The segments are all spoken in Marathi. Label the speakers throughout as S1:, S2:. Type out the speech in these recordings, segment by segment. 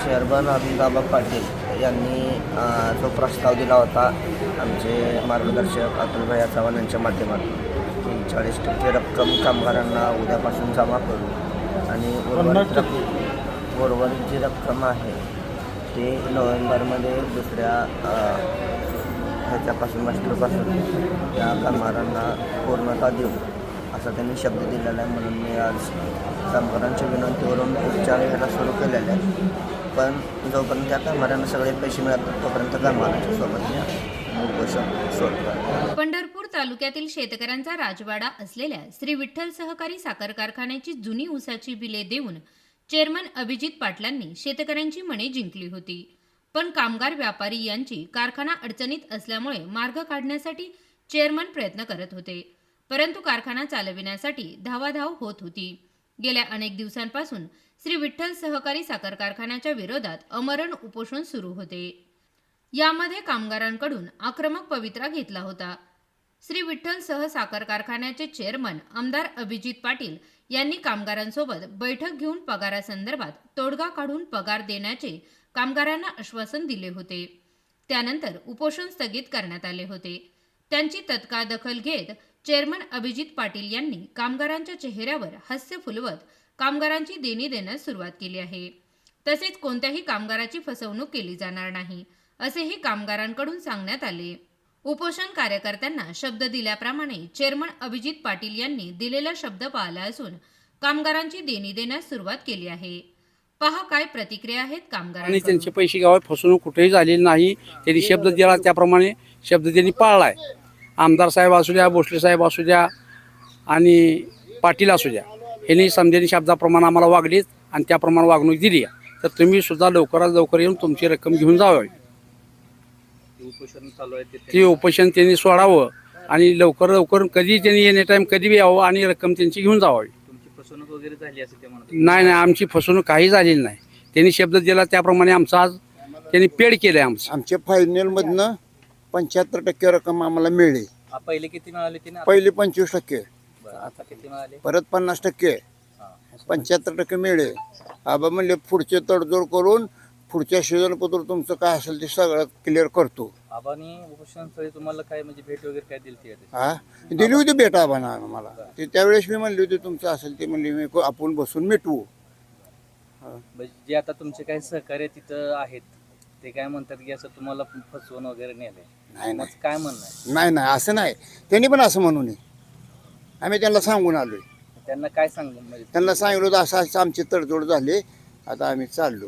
S1: चेअरमन अभिनदाबा पाटील यांनी जो प्रस्ताव दिला होता आमचे मार्गदर्शक अतुलभाई चव्हाण यांच्या माध्यमातून की 40% रक्कम कामगारांना उद्यापासून जमा करू आणि उर्वरित जी रक्कम आहे ते नोव्हेंबरमध्ये दुसऱ्या ह्याच्यापासून मास्टरपासून त्या कामगारांना पूर्णता देऊ असा त्यांनी शब्द दिलेला आहे. म्हणून मी आज कामगारांच्या विनंतीवरून उपचार घ्यायला सुरू केलेले आहेत. पण जोपर्यंत त्या कामगारांना सगळे पैसे मिळतात तोपर्यंत कामगारांच्या सोबत उपोषण सोडतात.
S2: पंढरपूर तालुक्यातील शेतकऱ्यांचा राजवाडा असलेल्या श्री विठ्ठल सहकारी साखर कारखान्याची जुनी ऊसाची बिले देऊन चेअरमन अभिजित पाटलांनी शेतकऱ्यांची मने जिंकली होती. पण कामगार व्यापारी यांची कारखाना अडचणीत असल्यामुळे मार्ग काढण्यासाठी चेअरमन प्रयत्न करत होते, परंतु कारखाना चालविण्यासाठी धावाधाव होत होती. गेल्या अनेक दिवसांपासून श्री विठ्ठल सहकारी साखर कारखान्याच्या विरोधात अमरण उपोषण सुरू होते. यामध्ये कामगारांकडून आक्रमक पवित्रा घेतला होता. श्री विठ्ठल सह साखर कारखान्याचे चेअरमन आमदार अभिजित पाटील यांनी कामगारांसोबत बैठक घेऊन पगारासंदर्भात तोडगा काढून पगार देण्याचे कामगारांना आश्वासन दिले होते. त्यानंतर उपोषण स्थगित करण्यात आले होते. त्यांची तत्काळ दखल घेत चेअरमन अभिजित पाटील यांनी कामगारांच्या चेहऱ्यावर हास्य फुलवत कामगारांची देणी देण्यास सुरुवात केली आहे. तसेच कोणत्याही कामगाराची फसवणूक केली जाणार नाही असेही कामगारांकडून सांगण्यात आले. उपोषण कार्यकर्त्यांना शब्द दिल्याप्रमाणे चेअरमन अभिजित पाटील यांनी दिलेला शब्द पाळला असून कामगारांची देणी देण्यास सुरुवात केली आहे. पहा काय प्रतिक्रिया आहेत कामगारांनी.
S3: त्यांचे पैसे घ्यावे, फसवणूक कुठेही झालेली नाही. त्यांनी शब्द दिला त्याप्रमाणे शब्द त्यांनी पाळलाय. आमदार साहेब असू द्या, भोसले साहेब असू द्या आणि पाटील असू द्या, यांनी समजेनी शब्दाप्रमाणे आम्हाला वागलीत आणि त्याप्रमाणे वागणूक दिली. तर तुम्ही सुद्धा लवकरात लवकर येऊन तुमची रक्कम घेऊन जावी. ते उपोषण त्यांनी सोडावं आणि लवकर लवकर कधी त्यांनी एनी टाइम कधी बी यावं आणि रक्कम त्यांची घेऊन जावी.
S4: फसवणूक वगैरे झाली असे ते म्हणतात.
S3: नाही, आमची फसवणूक काही झालेली नाही. त्यांनी शब्द दिला त्याप्रमाणे आमचा आज त्यांनी पेड केलं आहे.
S5: आमच्या फायनलमधनं 75% रक्कम आम्हाला मिळली.
S4: पहिले किती मिळाले ते?
S5: पहिले 25%,
S4: आता किती मिळाले?
S5: परत 50%, 75% मिळले. आबा म्हणले पुढचे तडजोड करून पुढच्या सीझनपत्र तुमचं काय असेल ते सगळं क्लिअर करतो.
S4: आबानी उपोषणस्थळी तुम्हाला काय म्हणजे भेट वगैरे काय दिली होती?
S5: हा, दिली होती भेट आबाना आम्हाला. ते त्यावेळेस मी म्हणली होती तुमचं असेल ते म्हणले मी आपण बसून मिटवू.
S4: जे आता तुमचे काही सहकार्य तिथं आहेत ते काय म्हणतात की असं तुम्हाला फसवून वगैरे नेलंय?
S5: नाही
S4: काय म्हणणं आहे?
S5: नाही असं नाही. त्यांनी पण असं म्हणू नये. आम्ही त्यांना सांगून आलोय.
S4: त्यांना काय सांगू? म्हणजे
S5: त्यांना सांगितलं होतं असं असं आमची तडजोड झाली, आता आम्ही चाललो.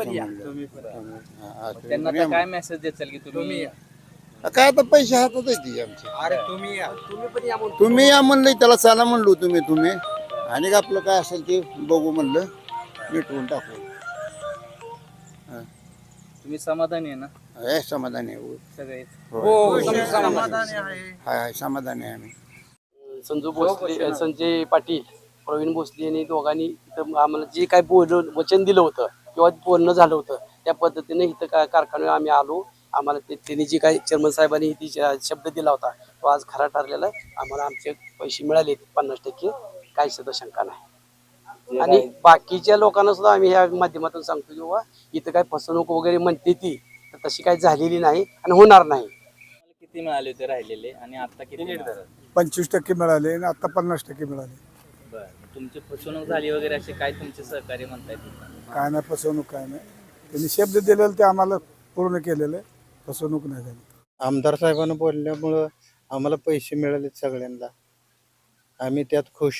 S4: त्यांना काय मेसेज देचाल की तुम्ही
S5: काय आता पैसे हातात येते आमचे. तुम्ही या म्हणलं, त्याला चला म्हणलो तुम्ही आणि आपलं काय असेल ते बघू म्हणलं, मिटवून टाकू.
S4: तुम्ही समाधानी आहे ना?
S5: समाधानी आहे
S4: सगळे?
S5: हाय समाधानी आहे आम्ही.
S3: संजू भोसले, संजय पाटील, प्रवीण भोसले यांनी दोघांनी इथं आम्हाला जे काय वचन दिलं होतं किंवा बोलणं झालं होतं त्या पद्धतीने इथं कारखान्यावर आम्ही आलो. आम्हाला त्यांनी जे काही चेअरमन साहेबांनी ती शब्द दिला होता तो आज खरा ठरलेला आहे. आम्हाला आमचे पैसे मिळाले 50%, काही सुद्धा शंका नाही. आणि बाकीच्या लोकांना सुद्धा आम्ही ह्या माध्यमातून सांगतो की बाबा इथं काय फसवणूक वगैरे म्हणते ती तर तशी काही झालेली नाही आणि होणार नाही.
S4: किती मिळाले होते राहिलेले आणि आता किती?
S6: 25% मिळाले आणि आता 50% मिळाले.
S4: बरं, तुमची फसवणूक झाली वगैरे असे काय तुमचे सहकार्य म्हणतायत?
S6: काय नाही फसवणूक, काय नाही. त्यांनी शब्द दिलेलं ते आम्हाला पूर्ण केलेलं आहे. फसवणूक नाही झाली.
S7: आमदार साहेबांना बोलल्यामुळं आम्हाला पैसे मिळाले सगळ्यांना. आम्ही त्यात खुश.